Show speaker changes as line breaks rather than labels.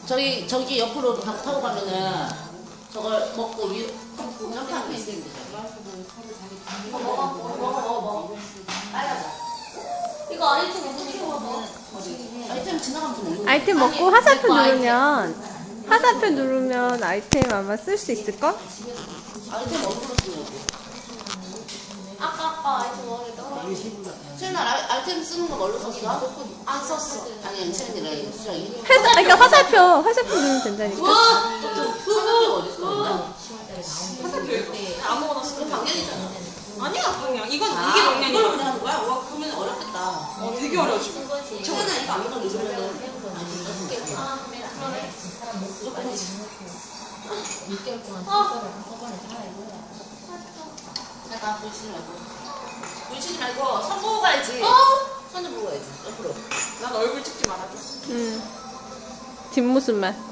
저기 옆으로 타고 가면은 저걸 먹고 위로 이렇게 하면 있으면 되죠. 먹어. 빨라져. 이거 아이템 어떻게 먹어? 아이템 지나가면서 먹는 거.
아이템 먹고 화살표 누르면 아이템 아마 쓸 수 있을걸?
아이템 어디로 쓰냐고. 아까 아이템 먹을 때 채연아 아이템 쓰는 거 뭘로 썼어? 안 썼어. 아니 채연이랑 수정이.
그러니까 화살표 누르면 된다니까.
화살표 어디 있어?
화살표 아무거나 쓰면
방향이잖아.
아니야 그냥 이게 방향이야.
이걸로 그냥 하는 거야? 와 그러면 어렵겠다.
되게 어려워 지금.
채연아 이거 아무거나 누르면은 잠깐 부딪히지 말고 손 보고 가야지. 손 좀 보고 가야지. 옆으로.
난 얼굴 찍지 말아줘.
뒷모습만.